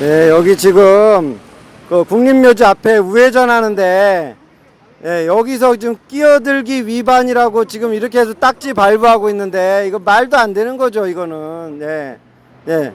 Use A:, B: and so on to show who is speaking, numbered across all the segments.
A: 예, 여기 지금 그 국립묘지 앞에 우회전 하는데, 예, 여기서 지금 끼어들기 위반이라고 지금 이렇게 해서 딱지 발부하고 있는데, 이거 말도 안 되는 거죠, 이거는. 예, 예.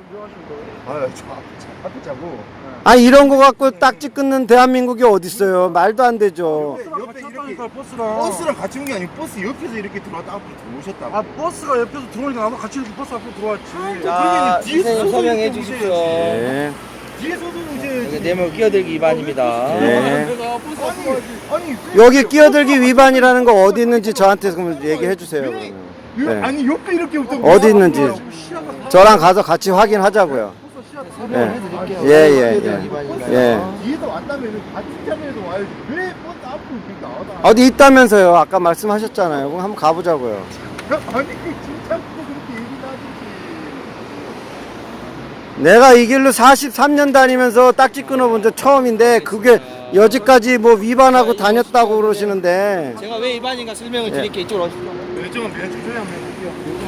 B: 앞에 자고.
A: 아, 이런 거 갖고 딱지 끊는 대한민국이 어딨어요. 말도 안 되죠.
B: 옆에 이렇게 버스랑 같이 온 게 아니고 버스 옆에서 이렇게 들어왔다 앞으로 들어오셨다고.
C: 아 버스가 옆에서 들어오니까 나도 같이 이렇게 버스 앞으로 들어왔지.
D: 자,
B: 뒤에서
D: 선생님 설명해
B: 서서
D: 주십시오.
A: 예,
B: 뒤에서도
D: 여기
B: 이제
D: 뇌물 끼어들기 위반입니다.
A: 예.
C: 내가 버스 앞으로 가지.
B: 아니
A: 여기 끼어들기 위반이라는 거 어디 있는지 저한테 그럼 얘기해 주세요. 그러면. 네.
B: 아니 옆에 이렇게 오던
A: 어디 있는지 저랑 가서 같이 확인하자고요. 예, 예, 예, 예. 예.
B: 뒤에서 왔다면 같은 자리에서 와야지. 왜 버스 앞으로 이렇게 나와다?
A: 어디 있다면서요? 아까 말씀하셨잖아요. 그럼 한번 가보자고요.
B: 아니 진짜 그렇게 얘기를 하든지.
A: 내가 이 길로 43년 다니면서 딱지 끊어본 적 처음인데 그게 여지까지 뭐 위반하고 다녔다고 그러시는데
D: 제가 왜 위반인가 설명을 드릴게요. 이쪽으로 오십시오.
B: 요즘은 그냥 조용히 한번 해볼게요.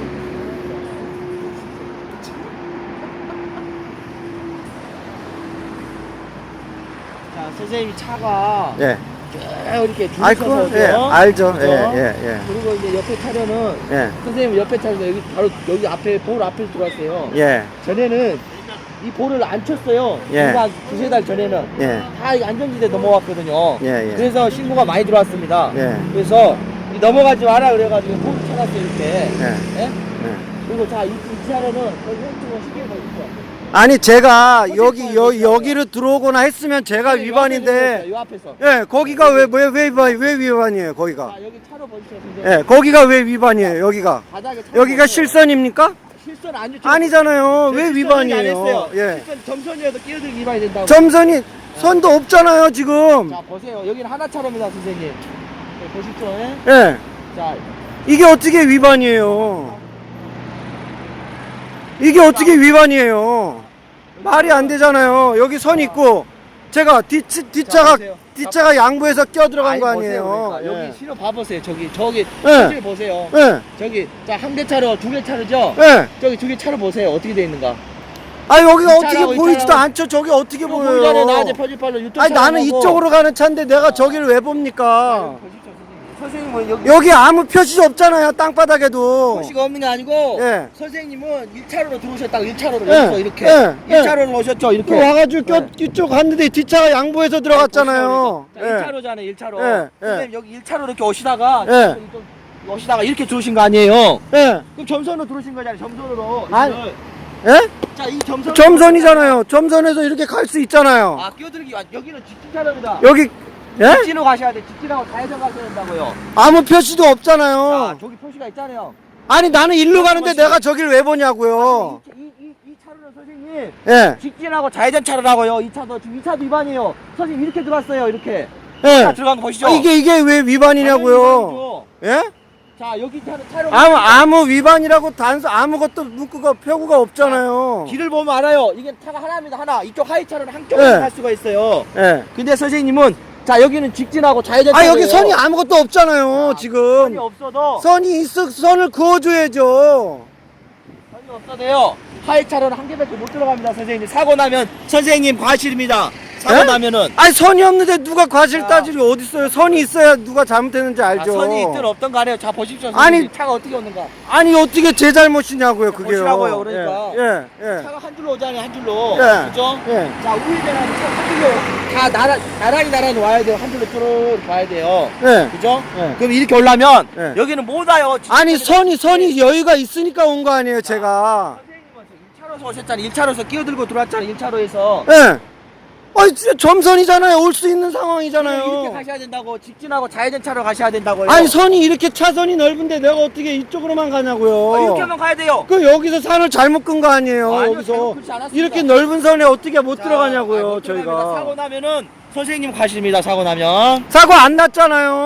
D: 자, 선생님 차가
A: 예.
D: 쭉 이렇게 줄
A: 아이
D: 서서
A: 그거 예,
D: 오죠.
A: 알죠.
D: 그죠?
A: 예, 예,
D: 그리고 이제 옆에 차량은
A: 예.
D: 선생님 옆에 차에서 여기 바로 여기 앞에 볼 앞에 들어왔어요.
A: 예.
D: 전에는 이 볼을 안 쳤어요.
A: 예.
D: 한 두세 달 전에는
A: 예.
D: 다 안전지대 넘어왔거든요.
A: 예, 예.
D: 그래서 신고가 많이 들어왔습니다.
A: 예.
D: 그래서 이 넘어가지 마라 그래가지고 볼을 쳐놨어요 이렇게.
A: 예.
D: 예?
A: 예.
D: 그리고 자, 이 차량은 거기 왼쪽으로 시계 보이죠?
A: 아니 제가 여기로 들어오거나 했으면 제가 위반인데
D: 이 앞에서.
A: 예, 거기가 왜 위반이에요, 거기가?
D: 자, 여기 차로 보시죠, 선생님.
A: 예, 거기가 왜 위반이에요, 여기가?
D: 바닥에 차로
A: 여기가
D: 보세요.
A: 실선입니까?
D: 실선 아니죠.
A: 아니잖아요. 왜
D: 안
A: 위반이에요?
D: 했어요.
A: 예.
D: 실선 점선이어도 끼어들기 위반이 된다고.
A: 점선이 선도 없잖아요, 지금.
D: 자, 보세요. 여기는 하나 차로입니다, 선생님. 네, 보십시오. 예?
A: 예.
D: 자,
A: 이게 어떻게 위반이에요? 이게 어떻게 위반이에요? 말이 안 되잖아요. 여기 선 있고 제가 뒷차가 양보해서 껴들어간 거 아니에요?
D: 보세요, 그러니까.
A: 예.
D: 여기 신호 봐보세요. 저기
A: 예.
D: 사진 보세요.
A: 예.
D: 저기 자, 한 개 차로, 두 개 차로죠?
A: 예.
D: 저기 두 개 차로 보세요. 어떻게 돼 있는가?
A: 아, 여기가
D: 이
A: 어떻게
D: 차라고, 이
A: 보이지도
D: 차라고.
A: 않죠. 저기 어떻게
D: 보기 전에
A: 보여요?
D: 나한테 표지판로 유튜브
A: 아니, 나는
D: 촬영하고.
A: 이쪽으로 가는 차인데 내가 저기를 왜 봅니까?
D: 보십시오, 선생님. 선생님은 여기
A: 여기 아무 표시 없잖아요, 땅바닥에도.
D: 표시가 없는 게 아니고
A: 예.
D: 선생님은 1차로로 들어오셨다고 1차로로
A: 예.
D: 여기서 이렇게
A: 예. 예.
D: 1차로로 오셨죠,
A: 또
D: 이렇게.
A: 와가지고
D: 네.
A: 이쪽 갔는데 뒷차가 양보해서 들어갔잖아요.
D: 자,
A: 예.
D: 1차로잖아요, 1차로.
A: 예, 예.
D: 선생님 여기 1차로 이렇게 오시다가
A: 예.
D: 오시다가 이렇게 들어오신 거 아니에요?
A: 예.
D: 그럼 점선으로 들어오신 거잖아요, 점선으로.
A: 아니.
D: 이거를.
A: 예?
D: 자, 이 점선.
A: 점선이잖아요. 점선에서 이렇게 갈 수 있잖아요.
D: 아, 끼어들기. 여기는 직진 차로입니다.
A: 여기, 예?
D: 직진으로 가셔야 돼. 직진하고 좌회전 가셔야 된다고요.
A: 아무 표시도
D: 자,
A: 없잖아요.
D: 저기 표시가 있잖아요.
A: 아니, 나는 일로 가는데 내가 저길 왜 보냐고요.
D: 이 차로는 선생님
A: 예.
D: 직진하고 좌회전 차로라고요. 이 차도 지금 2차도 위반이에요. 선생님 이렇게 들어왔어요. 이렇게.
A: 예.
D: 자, 들어간 거 보시죠.
A: 아, 이게 왜 위반이냐고요. 예?
D: 자, 여기 차로
A: 아무 위반이라고 아무것도 문구가 표구가 없잖아요.
D: 길을 보면 알아요. 이게 차가 하나입니다. 하나. 이쪽 하이 차로는 한쪽으로
A: 예.
D: 갈 수가 있어요.
A: 예.
D: 근데 선생님은 자, 여기는 직진하고 좌회전
A: 아, 여기
D: 차로예요.
A: 선이 아무것도 없잖아요, 지금.
D: 선이 없어도
A: 선을 그어줘야죠.
D: 선이 없어도요. 하이 차로는 한 개밖에 못 들어갑니다, 선생님. 사고 나면 선생님 과실입니다. 사고
A: 예?
D: 나면은
A: 아니, 선이 없는데 누가 과실
D: 자.
A: 따지리 어딨어요. 선이 있어야 누가 잘못했는지 알죠.
D: 선이 있든 없든 간에요. 자, 보십시오.
A: 아니,
D: 선생님. 차가 어떻게 오는가.
A: 아니, 어떻게 제 잘못이냐고요, 그게요.
D: 보시라고요, 그러니까.
A: 예, 예.
D: 차가 한 줄로 오잖아요, 한 줄로.
A: 예.
D: 그죠?
A: 예.
D: 자, 우회전하면 차한 줄로 다 나란히 와야 돼요. 한 줄로 쭉 가야 돼요.
A: 예.
D: 그죠?
A: 예.
D: 그럼 이렇게 오려면
A: 예.
D: 여기는 못 와요.
A: 아니, 선이 여유가 있으니까 온 거 아니에요, 제가.
D: 선생님은 1차로에서 오셨잖아요. 1차로에서 끼어들고 들어왔잖아요. 1차로에서.
A: 예. 아니, 진짜 점선이잖아요. 올 수 있는
D: 이렇게
A: 상황이잖아요.
D: 가셔야 된다고. 직진하고 좌회전 차로 가셔야 된다고요.
A: 아니, 선이 이렇게 차선이 넓은데 내가 어떻게 이쪽으로만 가냐고요.
D: 이렇게 하면 가야 돼요.
A: 그 여기서 산을 잘못 끈 거 아니에요.
D: 아니요,
A: 여기서
D: 잘못 긋지 않았습니다.
A: 이렇게 넓은 선에 어떻게 못
D: 자,
A: 들어가냐고요,
D: 못 들어갑니다.
A: 저희가.
D: 사고 나면은 선생님 과실입니다. 사고 나면.
A: 사고 안 났잖아요.